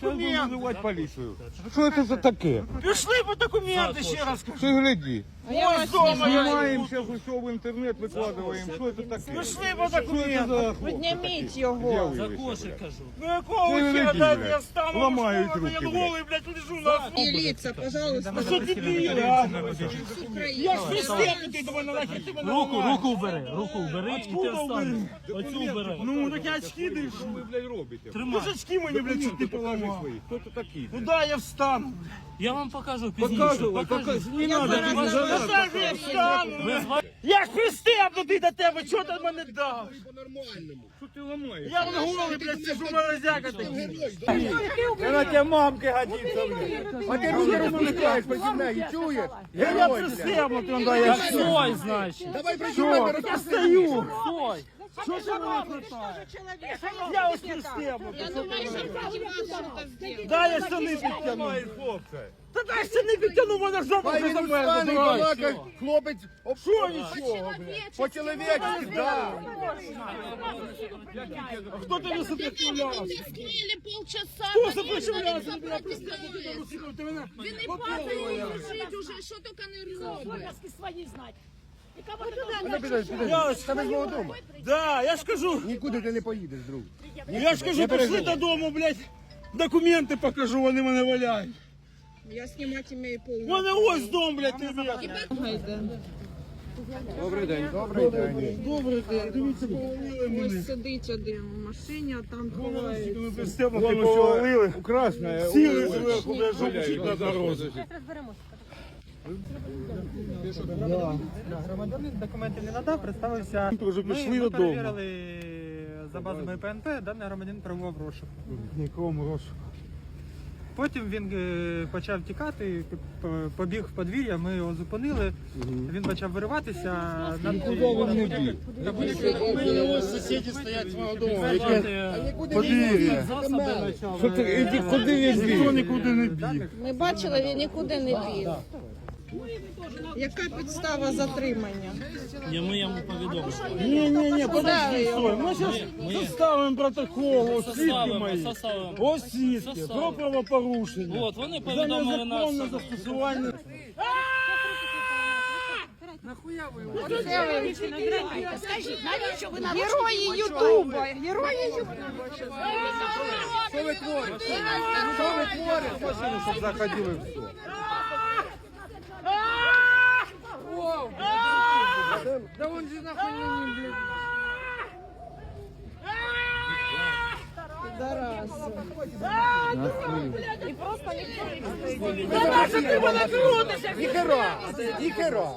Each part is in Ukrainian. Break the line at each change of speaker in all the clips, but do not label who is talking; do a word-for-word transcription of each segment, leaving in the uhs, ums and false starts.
документи. Визивати поліцію. Що це за таке?
Пішли по документи, ще раз кажу.
Ти гляди.
Ось дома я.
Знімаємо, зараз усе в інтернет викладаємо. Що це таке?
Пішли по документи.
Підніміть його.
За кошик кажу. Ну якого хера, дай я встану.
Ламають руки,
Я голий, блядь, лежу на асфальті.
Міліція, пожалуйста.
Ну що дебіли, а? Я ж пристебнутий до мене, нахер ти мене
Руку,
ламаєш.
руку убери, руку убери і ти встань. Оцю убери.
Ну, так я очки дышу.
Що ви, блядь, робите?
Ти ж очки мені, блядь, чуть не поламав.
Хто це такий?
Ну да, я встану.
Я вам покажу пізніше.
Показувай,
Покажу.
покажи. Не надо,
Ну так я встану. Я ж пристебнутий до тебе, чого ти мене дав?
Що ти ламаєш?
Я вон голий, блядь, сижу морозяка такий.
Вона тебе мамки годиться, блядь. А ти руки розмовляєш проти неї, чуєш?
Я пристебнутий, он да, я
Так стой, значить.
Давай
Що? Я стою.
Стой.
Що ти мене хватає? Я ось пристебнутий. Дай я штани підтягну. Та дай штани підтягну, мене жопа вже замерзла.
Хлопець,
Що нічого, блядь?
по-чоловічці, да.
Хто тобі сопротивлявся?
Скрили полчаса.
Хто сопротивлявся? Ти мене пристебнутий до русиків, ти мене...
Він і падає, і лежить уже, що тільки не робить.
Я ось... Да, я ж кажу,
Нікуди ти не поїдеш, друг.
я ж кажу, пішли додому, блядь, документи покажу, вони мене валяють.
Я знімати маю
У
повну.
мене ось дом, блядь, ти блядь.
Добрий день. Добрий день.
Добре, дивіться, повалили мене.
Ось сидить один в машині, а там ховається.
Ми пристебнутими повалили.
Красна.
Сіли зверху, блядь, жопчик на дорозі.
Громадянин документів не надав, представився.
Вже
Ми,
пішли
ми
додому.
перевірили за базами ПНП, даний громадянин перебував в розшуку.
Нікому розшуку.
Потім він е, почав тікати, п- побіг в подвір'я, ми його зупинили, він почав вириватися. Над...
Ось сусіди стоять свого дому.
Подвір'я.
Що ти, іди, куди він
Ніхто
біг?
нікуди не біг.
Ми бачили, він нікуди не біг. Яка підстава затримання?
Ні, ми йому повідомимо.
Ні, ні, ні, подожди,
Ставимо.
стой. Ми зараз
Ми-
составимо протокол, ось сітки
Составимо,
мої.
составимо.
Ось сітки, про
Составимо.
правопорушення.
От, вони
За
повідомили
незаконне
нас.
застосування.
Скажіть, навіщо ви нам
Герої Ютуба! Герої Ютуба!
Що ви творите? Що ви творите? Машину, щоб заходили в все. Да он же нахуй не блядь. Ніхера! Ніхера!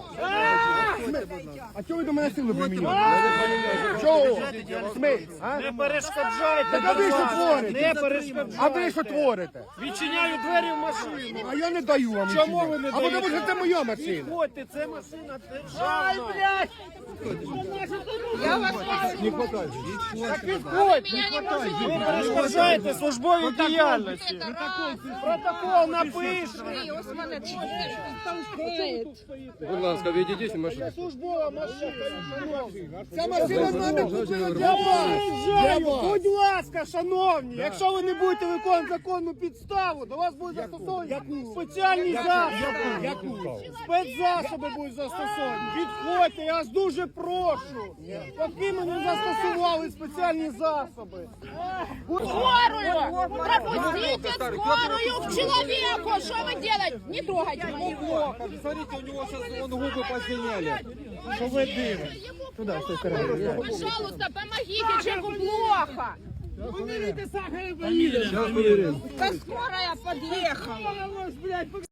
А чого ви до мене силу примінюєте? Чого? Смить?
Не перешкоджайте,
Так а ви що творите?
Не перешкоджайте.
А ви що творите?
Відчиняю двері в машину.
А я не даю вам.
Чому
нічого.
ви не
А тому
даєте?
що це моя машина.
Ходьте, це машина державна. Ай, блядь!
Я вас
Так підходь! Ви перешкоджаєте службовій діяльності. Протокол напишемо.
ось мене толкає.
Будь ласка, відійдіть машину.
Службова машина.
Ця машина мене купила для
Заїжджаю. Будь ласка, шановні, якщо ви не будете виконувати законну підставу, до вас будуть застосовані спеціальні засоби. Спецзасоби будуть застосовані. Підходьте, я вас дуже прошу. Поки ми не застосували спеціальні засоби.
скорую? Пропустите скорую к человеку. Что вы делаете? Не трогайте его.
Смотрите, у него сейчас вон губы посиняли.
Що ви дивите?
Пожалуйста, помогите, человеку плохо.
Поміряйте сахар,
Да скорая подъехала.